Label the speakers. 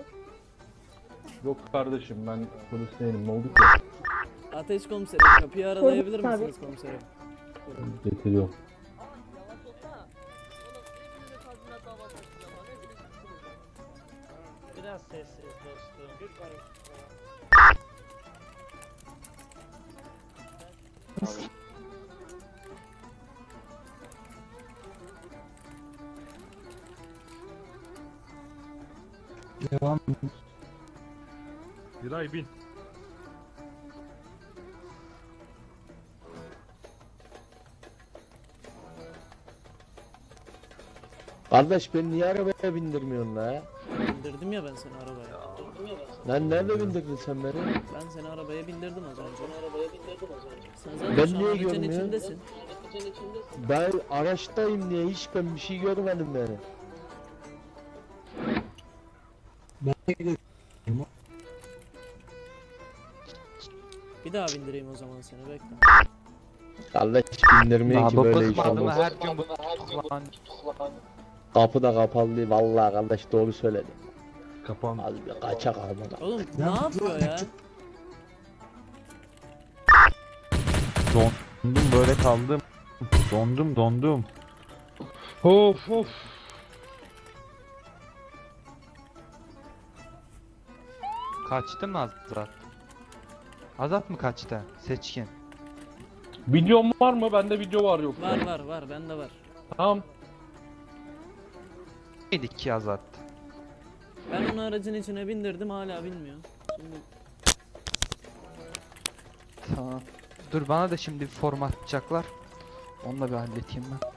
Speaker 1: Yok kardeşim ben polis değilim. Ne oldu ki?
Speaker 2: Ateş komiserim, kapıyı aralayabilir
Speaker 3: Tabii.
Speaker 2: misiniz komiserim?
Speaker 1: Getiriyorum.
Speaker 4: Biraz sessiz dostum.
Speaker 5: Devam.
Speaker 6: Giray bin.
Speaker 7: Kardeş beni niye arabaya bindirmiyorsun la?
Speaker 2: Bindirdim ya ben seni arabaya.
Speaker 7: Lan nerede bindirdin sen beni?
Speaker 2: Ben seni arabaya bindirdim az önce. Sen zaten
Speaker 7: Ben
Speaker 2: şu an
Speaker 7: niye
Speaker 2: aracın
Speaker 7: görmüyorum?
Speaker 2: içindesin.
Speaker 7: Ben araçtayım niye hiç ben bir şey görmedim beni.
Speaker 5: Ben de gidiyorum.
Speaker 2: Bir daha bindireyim o zaman seni, bekle.
Speaker 7: Kardeş bindirmiyor ki böyle iş olmaz.
Speaker 6: her gün bu lan
Speaker 7: Kapı da kapalı değil vallahi kardeş doğru söyledi.
Speaker 6: kapan.
Speaker 7: Az bir kaçak almadan.
Speaker 2: Oğlum ne yapıyor ya?
Speaker 6: Dondum böyle kaldım. Dondum. Of.
Speaker 8: Kaçtı mı Azat? Azat mı kaçtı? Seçkin.
Speaker 1: Videom var mı? Bende video var yok.
Speaker 2: Var bende var.
Speaker 1: Tamam.
Speaker 8: Neydik ki Azat?
Speaker 2: Ben onu aracın içine bindirdim, hala bilmiyor. Şimdi
Speaker 8: Tamam. Dur bana da şimdi bir format atacaklar. Onu da bir halledeyim ben.